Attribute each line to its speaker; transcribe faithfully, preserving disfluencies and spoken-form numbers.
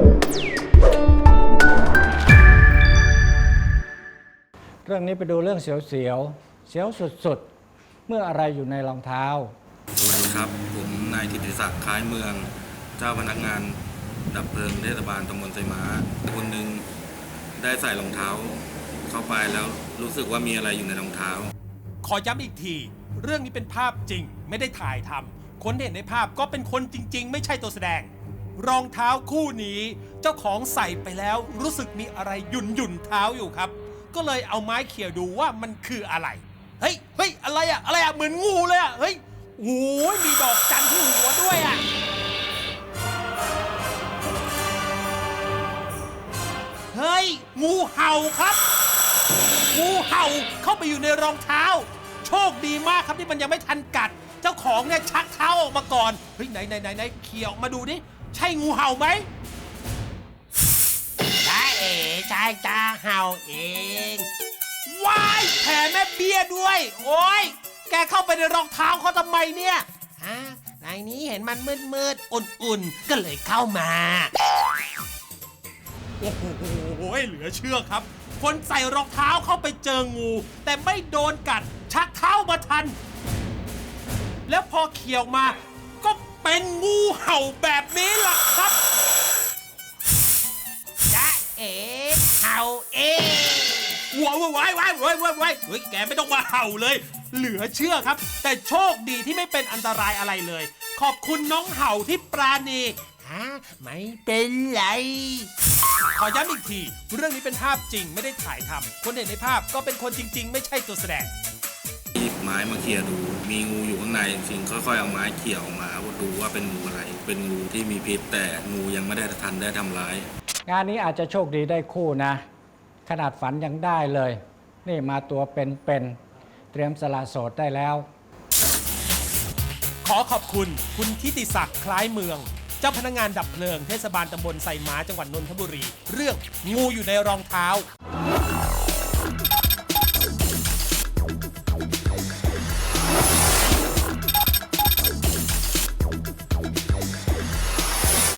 Speaker 1: เรื่องนี้ไปดูเรื่องเสียวเสียวเสียวสุดๆเมื่ออะไรอยู่ในรองเท้า
Speaker 2: สวัสดีครับผมนายกิติศักดิ์คล้ายเมืองเจ้าพนักงานดับเพลิงเทศบาลตำบลไซม้าคนหนึ่งได้ใส่รองเท้าเข้าไปแล้วรู้สึกว่ามีอะไรอยู่ในรองเท้า
Speaker 3: ขอย้ำอีกทีเรื่องนี้เป็นภาพจริงไม่ได้ถ่ายทำคนที่เห็นในภาพก็เป็นคนจริงๆไม่ใช่ตัวแสดงรองเท้าคู่นี้เจ้าของใส่ไปแล้วรู้สึกมีอะไรหยุ่นหยุ่นเท้าอยู่ครับก็เลยเอาไม้เขี่ยดูว่ามันคืออะไรเฮ้ยเฮ้ยอะไรอะอะไรอะเหมือนงูเลยอะเฮ้ยโอ้ยมีดอกจันทร์ที่หัวด้วยอะเฮ้ยงูเห่าครับงูเห่าเข้าไปอยู่ในรองเท้าโชคดีมากครับที่มันยังไม่ทันกัดเจ้าของเนี่ยชักเท้าออกมาก่อนเฮ้ยไหนไหนไหนไหนเขี่ยออกมาดูดิใช่งูเห่าไหมใช่เอ๋ใช่จ้าเห่าเองว้ายแผลแม่เบี้ยด้วยโอ้ยแกเข้าไปในรองเท้าเขาทำไมเนี่ยฮะในนี้เห็นมันมืดมืดอุ่นๆก็เลยเข้ามาโอ้โหเหลือเชื่อครับคนใส่รองเท้าเข้าไปเจองูแต่ไม่โดนกัดชักเท้ามาทันแล้วพอเขี่ยวมาก็เป็นงูเห่าแบบนี้ล่ะครับจ๊ะเอ๋เห่าเองว้าวว้ายว้ายว้ายว้ายว้ายเฮ้ยแกไม่ต้องมาเห่าเลยเหลือเชื่อครับแต่โชคดีที่ไม่เป็นอันตรายอะไรเลยขอบคุณน้องเห่าที่ปราณีฮะไม่เป็นไรขอย้ำอีกทีเรื่องนี้เป็นภาพจริงไม่ได้ถ่ายทำคนเห็นในภาพก็เป็นคนจริงๆไม่ใช่ตัวแสดง
Speaker 2: หยิบไม้มาเขี่ยดูมีงูอยู่ข้างในจริงๆค่อยๆเอาไม้เขี่ยออกมาดูว่าเป็นงูอะไรเป็นงูที่มีพิษแต่งูยังไม่ได้ทันได้ทำร้าย
Speaker 1: งานนี้อาจจะโชคดีได้คู่นะขนาดฝันยังได้เลยนี่มาตัวเป็นๆเตรียมสละโสดได้แล้ว
Speaker 3: ขอขอบคุณคุณทิติศักดิ์คล้ายเมืองเจ้าพนักงานดับเพลิงเทศบาลตำบลไซม้าจังหวัดนนทบุรีเรื่องงูอยู่ในรองเท้า